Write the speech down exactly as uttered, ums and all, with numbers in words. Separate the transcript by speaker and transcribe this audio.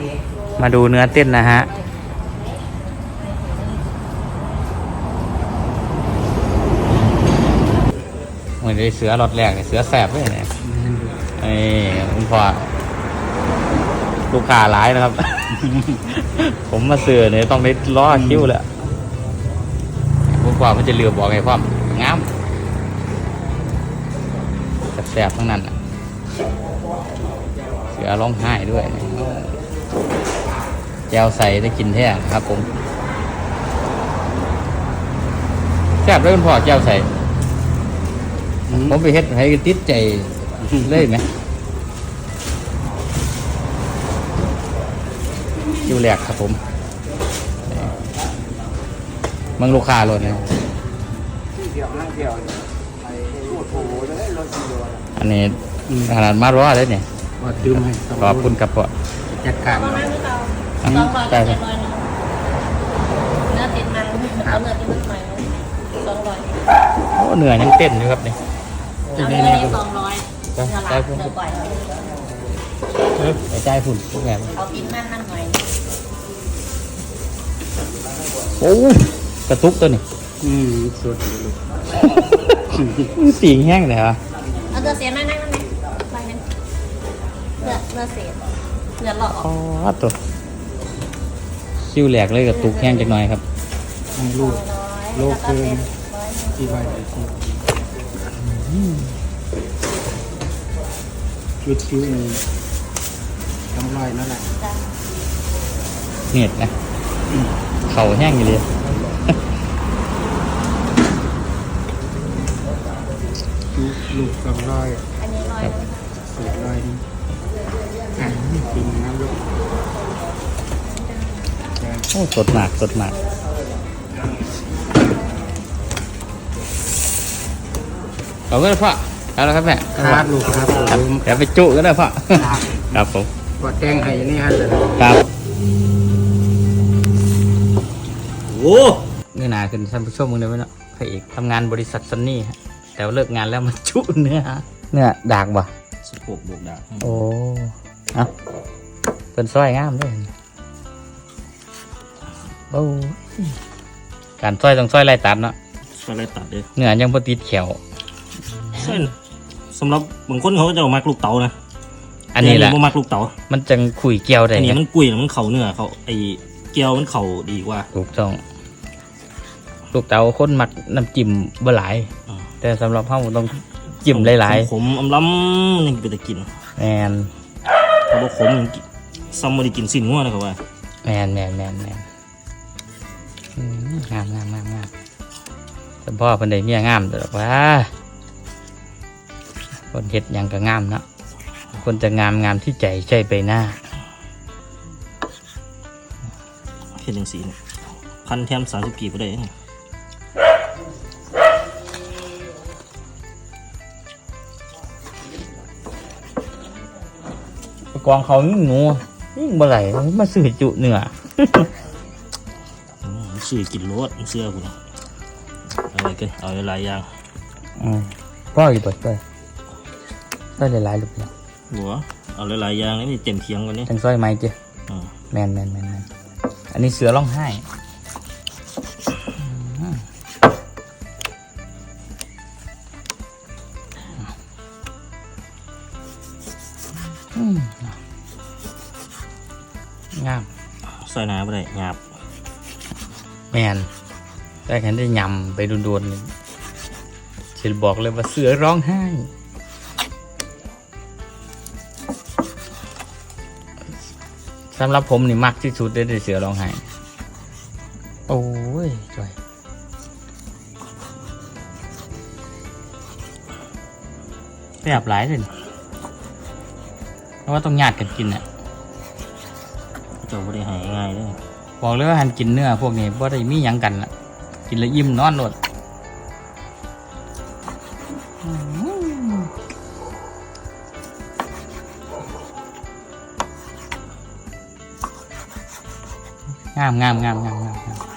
Speaker 1: มาดูเนื้อเต้นนะฮะเหมือนได้เสือรอดแรกเนี่ยเสือแสบเลยเนี่ยไอ้คุณพ่อลูกค้าร้ายนะครับ ผมมาเสือเนี่ยต้องได้ล้อคิ้วแหละคุณพ่อมันจะเลือบอกไงพ่อมงามแสบทั้งนั้นเสือร้องไห้ด้วยแจวใส่ได้กินแท้ครับผมแซ่บด้วยคุณพ่อแจวใส่ผมไปเฮ็ดให้ติดใจเลยไหมคิวแรกครับผมมังลูกค้าเลยนะอันนี้ขนาดมาร้อเลยเนี่ยขอบคุณครับพ่อจัดการ
Speaker 2: ใช่ครับเนื้อติดมันเอาเนื้อติดมันหน่อยสองร้อย
Speaker 1: โอ้เนื้อยังเต้นอยู่ครับเนี่ย
Speaker 2: เอาเนื้อนี้สองร้อยเนื้อหลักเนื้อก่อย
Speaker 1: ไอ้ใจฝุ่นพวกแง่
Speaker 2: เอาติดมันนั่นหน่อย
Speaker 1: โอ้กระตุกตัวนี้
Speaker 3: อืมสุด
Speaker 1: สีแห้งเลยเหรอ
Speaker 2: เอาเนื้อเสียนั่นนั่นนั่นไปนั่นเนื้อเนื้อเสียเนื้อหลอก
Speaker 1: อ๋อตัวคิวแหลกเลยกระตุกแห้งจังหน่อยครับ
Speaker 3: ลูกโลกเกินที่ใบที่จุดคิ้วนี่ต้องลอยนั่นแหละ
Speaker 1: เหน็ดนะเข่าแห้งอยู่เลย
Speaker 3: ลูกสองร้อย
Speaker 2: อันนี้ร้อย
Speaker 3: เสียร้อยนี่อ่ะกินน้ำลูก
Speaker 1: โอ้สดมากสดมากเอาก็ได้พ่อเอาแล้วครับแม่
Speaker 3: ครับลูกครับผม
Speaker 1: เดี๋ยวไปจุก็ได้พ่อครับผม
Speaker 3: กดแจ้งให้นี่ฮะ
Speaker 1: ครับโอ้เนื้อหนาขึ้นท่านผู้ชมมึงเลยไหมเนาะพระเอกทำงานบริษัทซันนี่ฮะแต่เลิกงานแล้วมาจุเนื้อเนื้อดากบ่
Speaker 3: สิบหกบวกดาก
Speaker 1: โอ้เอาเป็นซอยงามด้วยโอ้การซอยต้องซอยไล่ตัดเนาะ
Speaker 3: ซอยไล่ตัดเลย
Speaker 1: เนื้อยังพอติดแขว
Speaker 3: เส้นสำหรับบางคนเขาจะเอามักลูกเต๋านะ
Speaker 1: อันนี้แหละ
Speaker 3: มักลูกเต๋า
Speaker 1: มันจังขุยเกียวได้
Speaker 3: อันนี้มันกุยมันเข่าเนื้อเขาไอเกียวมันเข่าดีกว่า
Speaker 1: ถูกต้องลูกเต๋าคนมักน้ำจิ้มบ่หลายแต่สำหรับเขาต้องจิ้มหลาย
Speaker 3: ๆขมอำล้ำมันยังเป็นตะกิน
Speaker 1: แมน
Speaker 3: เขาบอกขมซัมมาได้กินสิ้นงัวนะครับว่า
Speaker 1: แมนแมนแมนแมนงามงามงามงามแต่พ่อเป็นได้เมียงามแต่ว่าคนเฮ็ดยังก็งามเนาะคนจะงามงามที่ใจใช่ไปหน้า
Speaker 3: เฮ็ดยังสีพันแถมสามสิบกีบก็ได้
Speaker 1: กองเขายิ่งงัวยิ่งบ่ไหลมาสื่อจุเนื้อ
Speaker 3: สื่อกินรสเสื้อคุณอะไรกันเอาหลายอย่าง
Speaker 1: อืมพ่ออยู่เปิดด้วยได้หลายๆลูกเนาะ
Speaker 3: หัวเอาหลายๆอย่างนี่เต็มเคียงกันนี่
Speaker 1: จังซอยไม้เจ้แมนแมนแมนอันนี้เสือร้องไห้งาม
Speaker 3: ซอยน้ำไปเลยหยาบ
Speaker 1: แมนได้แค่ได้ยำไปโดนๆฉันบอกเลยว่าเสือร้องไห้สำหรับผมนี่มักที่สุดได้เสือร้องไห้โอ้ยจอยไปอาบหลายเลยเพราะว่าต้องญาติกันกินอ่ะ
Speaker 3: จะไม่ได้หายง่ายเลย
Speaker 1: บอกเลยว่าหันกินเนื้อพวกนี้เพราะได้มีหยังกันละกินแล้วอิ่มนอนหมดงามงามงามงามงาม